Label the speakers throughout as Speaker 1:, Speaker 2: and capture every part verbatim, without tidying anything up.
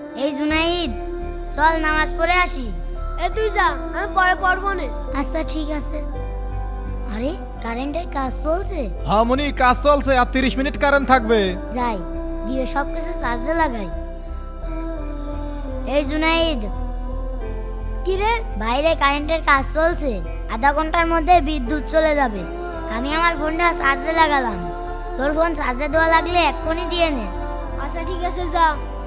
Speaker 1: এই জুনাইদ, চল নামাজ পড়ে আসি।
Speaker 2: এ তুই যা, আমি পরে পড়বো না।
Speaker 1: আচ্ছা ঠিক আছে। আরে কারেন্টের কাজ চলছে।
Speaker 3: হ্যাঁ মনি, কাজ চলছে, আর তিরিশ মিনিট কারেন্ট থাকবে।
Speaker 1: যাই গিয়ে সব কিছু চার্জে লাগাই। এই জুনাইদ,
Speaker 2: কি রে?
Speaker 1: বাইরে কারেন্টের কাজ চলছে, আধা ঘন্টার মধ্যে বিদ্যুৎ চলে যাবে। আমি আমার ফোনটা চার্জে লাগালাম, তোর ফোন চার্জে দেওয়া লাগলে এক্ষুনি দিয়ে নে।
Speaker 2: আচ্ছা ঠিক আছে, যা।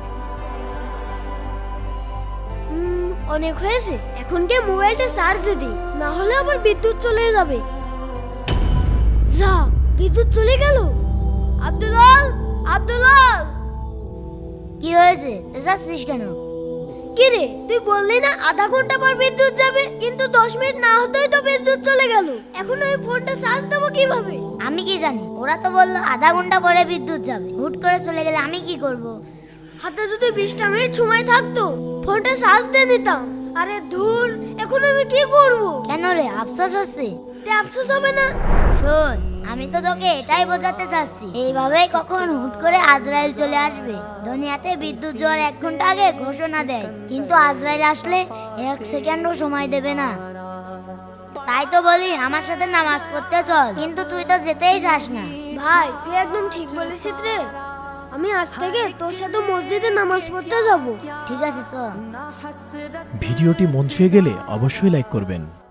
Speaker 2: হুম, অনেক হয়েছে, এখন গিয়ে মোবাইলটা চার্জে দি, না হলে আবার বিদ্যুৎ চলে যাবে। যা, বিদ্যুৎ চলে গেল। আব্দুলাল, আব্দুলাল।
Speaker 1: কি হয়েছে, চেঁচাচ্ছিস কেন?
Speaker 2: কি রে, তুই বললি না আধা ঘন্টা পর বিদ্যুৎ যাবে, কিন্তু দশ মিনিট না হতেই তো বিদ্যুৎ চলে গেল। এখন আমি ফোনটা চার্জ দেবো কিভাবে?
Speaker 1: আমি কি জানি, ওরা তো বললো আধা ঘন্টা পরে বিদ্যুৎ যাবে। হুট করে চলে গেলে আমি কি করব?
Speaker 2: হাতে যদি বিশটা মিনিট সময় থাকতো, ফোনটা চার্জ দিয়ে নিতাম। আরে ধুর, এখন আমি কি করব?
Speaker 1: কেন রে, আফসোস হচ্ছে?
Speaker 2: তে আফসোস হবে না?
Speaker 1: শোন, আমি তো তোকে এটাই বোঝাতে চাচ্ছি, এইভাবেই কখন হুট করে আজরাইল চলে আসবে। দুনিয়াতে বিদ্যুৎ যাওয়ার এক ঘন্টা আগে ঘোষণা দেয়, কিন্তু আজরাইল আসলে এক সেকেন্ডও সময় দেবে না। তাই তো বলি আমার সাথে নামাজ পড়তে চল, কিন্তু তুই তো যেতেই চাস না।
Speaker 2: ভাই, তুই একদম ঠিক বলেছিস রে। আমি আজ থেকে তোর সাথে মসজিদে নামাজ পড়তে যাব।
Speaker 1: ঠিক আছে চল।
Speaker 4: ভিডিওটি মন ছুঁয়ে গেলে অবশ্যই লাইক করবেন।